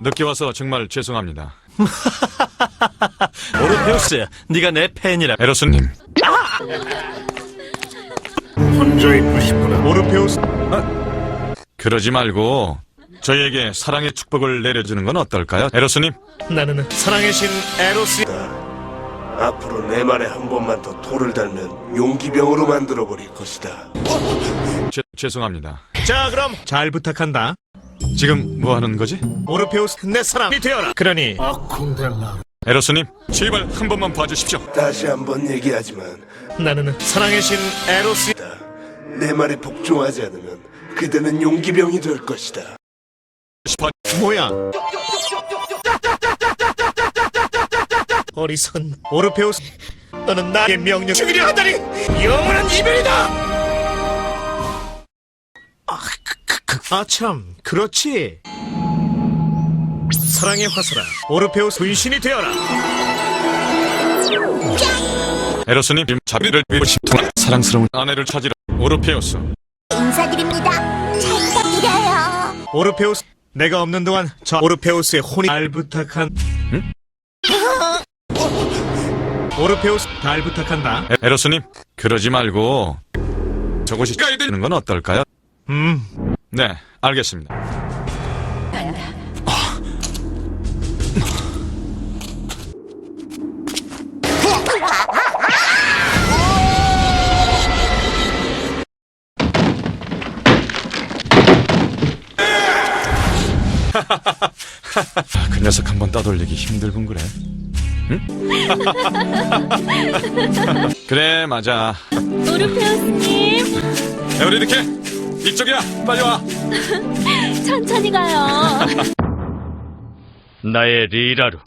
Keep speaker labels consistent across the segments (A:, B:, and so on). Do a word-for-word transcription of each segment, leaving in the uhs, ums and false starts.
A: 늦게 와서 정말 죄송합니다.
B: 오르페우스, 네가 내 팬이라.
A: 에로스님,
C: 혼자 있고 싶구나.
B: 오르페우스.
A: 그러지 말고 저희에게 사랑의 축복을 내려주는 건 어떨까요? 에로스님,
B: 나는 사랑의 신 에로스.
C: 앞으로 내 말에 한 번만 더 돌을 달면 용기병으로 만들어버릴 것이다.
A: 죄, 죄송합니다.
B: 자, 그럼 잘 부탁한다.
A: 지금 뭐 하는 거지?
B: 오르페우스, 내 사람이 되어라. 그러니
A: 에로스님, 제발 한 번만 봐주십시오.
C: 다시 한 번 얘기하지만
B: 나는 사랑의 신 에로스.
C: 내 말에 복종하지 않으면 그대는 용기병이 될 것이다.
B: 뭐야? 어리석은 오르페우스, 너는 나의 명령 죽이려 하다니 영원한 이별이다. 아 참, 그렇지. 사랑의 화살아, 오르페우스 분신이 되어라.
A: 에로스님, 자비를 위로시통 사랑스러운 아내를 찾으러 오르페우스.
D: 인사드립니다. 잘 부탁드려요.
B: 오르페우스, 내가 없는 동안 저 오르페우스의 혼이 잘 부탁한.
A: 응?
B: 오르페우스, 잘 부탁한다.
A: 에, 에로스님, 그러지 말고 저곳이 가야 되는 건 어떨까요?
B: 음,
A: 네, 알겠습니다. 그 녀석 한번 떠돌리기 힘들군 그래. 응? 그래, 맞아.
D: 오르페우스님,
A: 에오리드케, 이쪽이야. 빨리 와.
D: 천천히 가요.
B: 나의 리라루.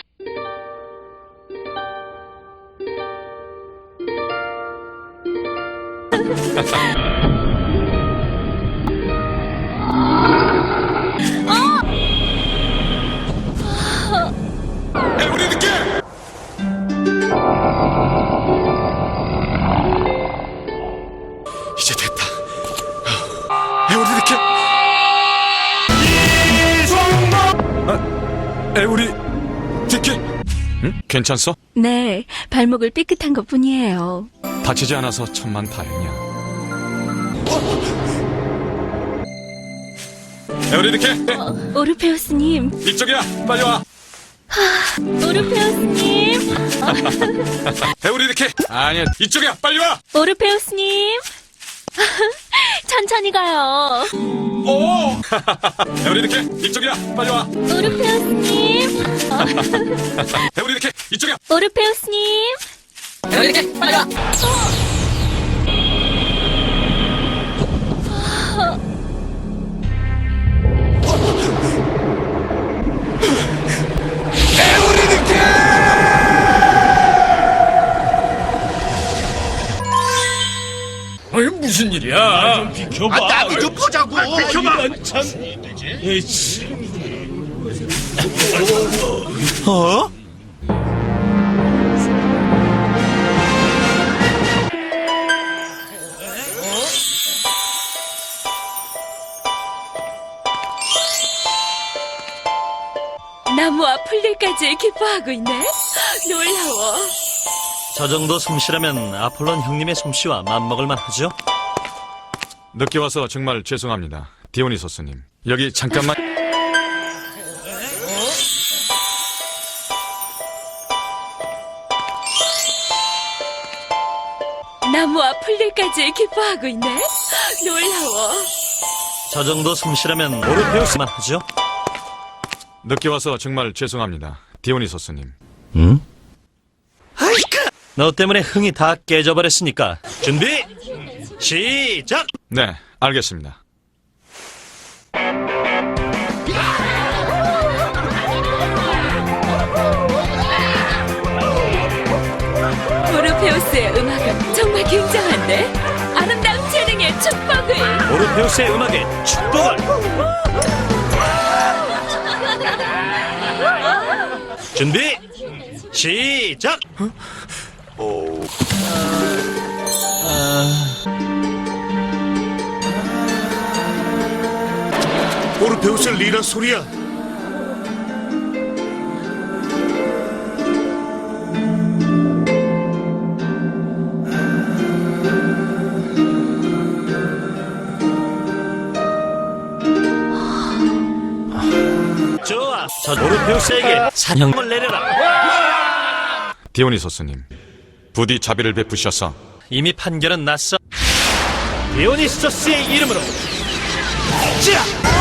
A: 에오리드케. 이제 됐다. 에오리드케. 아, 에오리드케. 응? 괜찮소?
D: 네, 발목을 삐끗한 것 뿐이에요.
A: 다치지 않아서 천만 다행이야. 에오리드케,
D: 오르페우스님,
A: 이쪽이야. 빨리 와.
D: 오르페우스님,
A: 에오리드케. 아니야, 이쪽이야. 빨리 와.
D: 오르페우스님. 천천히 가요.
A: 오! 에오리드케, 이쪽이야. 빨리 와.
D: 오르페우스님,
A: 에오리드케, 이쪽이야.
D: 오르페우스님.
A: 에오리드케, 빨리 와.
E: 아니 무슨 일이야? 좀 비켜봐. 아, 나도 좀 보자고. 아, 비켜봐. 이건 참. 에이씨.
B: 어?
D: 나무와 풀들까지 기뻐하고 있네. 놀라워.
B: 저 정도 솜씨라면 아폴론 형님의 솜씨와 맞먹을만 하죠?
A: 늦게 와서 정말 죄송합니다. 디오니소스님. 여기 잠깐만.
D: 나무와 풀들까지 기뻐하고 있네. 놀라워.
B: 저 정도 솜씨라면 오르페우스만 하죠?
A: 늦게 와서 정말 죄송합니다. 디오니소스님.
B: 응? 너 때문에 흥이 다 깨져버렸으니까 준비 시작!
A: 네, 알겠습니다.
D: 오르페우스의 음악은 정말 굉장한데? 아름다운 재능의 축복을.
B: 오르페우스의 음악에 축복을! 준비 시작!
C: 오.
B: 오르페우스 리라 소리야.
E: 저 오르페우스에게 사형을 내려라.
A: 디오니소스님, 부디 자비를 베푸셔서
E: 이미 판결은 났어. 디오니소스의 이름으로 자!